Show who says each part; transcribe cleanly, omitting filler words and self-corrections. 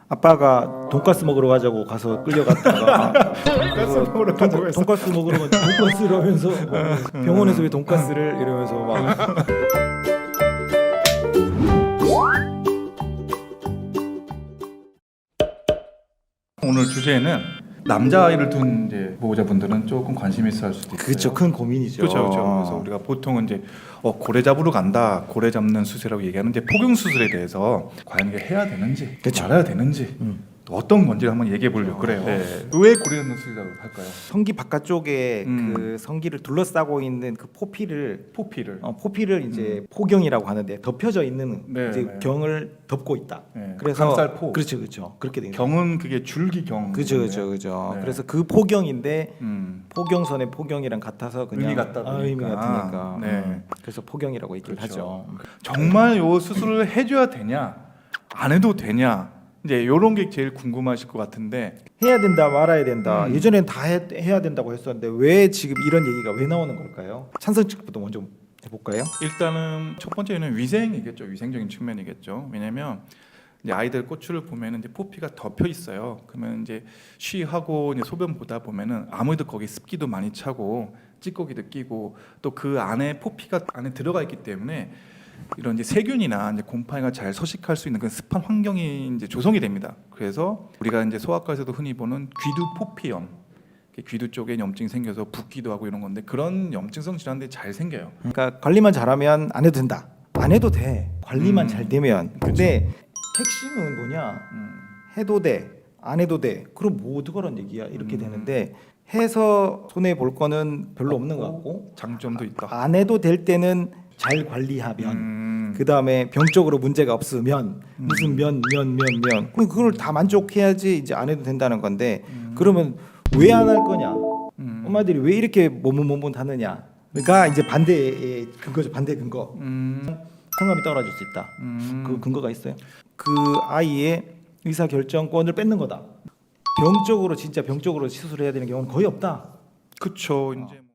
Speaker 1: 아빠가 돈가스 먹으러 가자고 가서 끌려갔다가
Speaker 2: 돈가스 먹으러 가자고 해서
Speaker 1: 돈가스 먹으러 가자 돈가스를 하면서 병원에서 왜 돈가스를 이러면서 막
Speaker 2: 오늘 주제는 남자아이를 둔 이제 보호자분들은 조금 관심 있어 할 수도 있어요.
Speaker 1: 그렇죠. 큰 고민이죠.
Speaker 2: 그렇죠. 그래서 우리가 보통은 이제 고래 잡으러 간다, 고래 잡는 수술이라고 얘기하는데 폭경 수술에 대해서 과연 이게 해야 되는지,
Speaker 1: 그쵸.
Speaker 2: 말아야 되는지, 또 어떤 건지를 한번 얘기해 보려고 그래요. 네. 왜 고래 잡는 수술이라고 할까요?
Speaker 1: 성기 바깥쪽에 그 성기를 둘러싸고 있는 그 포피를
Speaker 2: 포피를
Speaker 1: 이제 포경이라고 하는데 덮여져 있는
Speaker 2: 네,
Speaker 1: 이제
Speaker 2: 네.
Speaker 1: 경을 덮고 있다.
Speaker 2: 네.
Speaker 1: 그래서
Speaker 2: 감쌀포.
Speaker 1: 그렇죠. 그렇게 되는
Speaker 2: 경은 그게 줄기경.
Speaker 1: 그죠.
Speaker 2: 네.
Speaker 1: 그래서 그 포경인데
Speaker 2: 음.
Speaker 1: 포경선의 포경이랑 같아서 그냥
Speaker 2: 의미 같다 보니까.
Speaker 1: 의미 같으니까.
Speaker 2: 네.
Speaker 1: 그래서 포경이라고 얘기를
Speaker 2: 그렇죠.
Speaker 1: 하죠.
Speaker 2: 정말 요 수술을 해줘야 되냐, 안 해도 되냐, 이제 요런 게 제일 궁금하실 것 같은데.
Speaker 1: 해야 된다 말아야 된다. 예전엔 다 해야 된다고 했었는데 왜 지금 이런 얘기가 왜 나오는 걸까요? 찬성 측부터 먼저 해볼까요?
Speaker 2: 일단은 첫 번째는 위생이겠죠. 위생적인 측면이겠죠. 왜냐하면 이제 아이들 꼬추를 보면은 이제 포피가 덮여 있어요. 그러면 이제 쉬하고 이제 소변 보다 보면은 아무래도 거기 습기도 많이 차고 찌꺼기도 끼고 또 그 안에 포피가 안에 들어가 있기 때문에 이런 이제 세균이나 이제 곰팡이가 잘 서식할 수 있는 그런 습한 환경이 이제 조성이 됩니다. 그래서 우리가 이제 소아과에서도 흔히 보는 귀두 포피염, 귀두 쪽에 염증이 생겨서 붓기도 하고 이런 건데 그런 염증성 질환들이 잘 생겨요.
Speaker 1: 그러니까 관리만 잘하면 안 해도 된다. 안 해도 돼. 관리만 잘 되면. 근데 핵심은 뭐냐? 해도 돼. 안 해도 돼. 그럼 뭐 어떡하란 얘기야? 이렇게 되는데 해서 손해 볼 거는 별로 없는 것 같고
Speaker 2: 장점도 있다.
Speaker 1: 안 해도 될 때는 잘 관리하면 그 다음에 병적으로 문제가 없으면 무슨 면 그럼 그걸 다 만족해야지 이제 안 해도 된다는 건데 그러면 왜 안 할 거냐? 엄마들이 왜 이렇게 모문하느냐? 그러니까 이제 반대의 근거죠. 반대 근거. 성감이 떨어질 수 있다. 그 근거가 있어요. 그 아이의 의사 결정권을 뺏는 거다. 병적으로 진짜 병적으로 시술해야 되는 경우는 거의 없다.
Speaker 2: 그쵸. 이제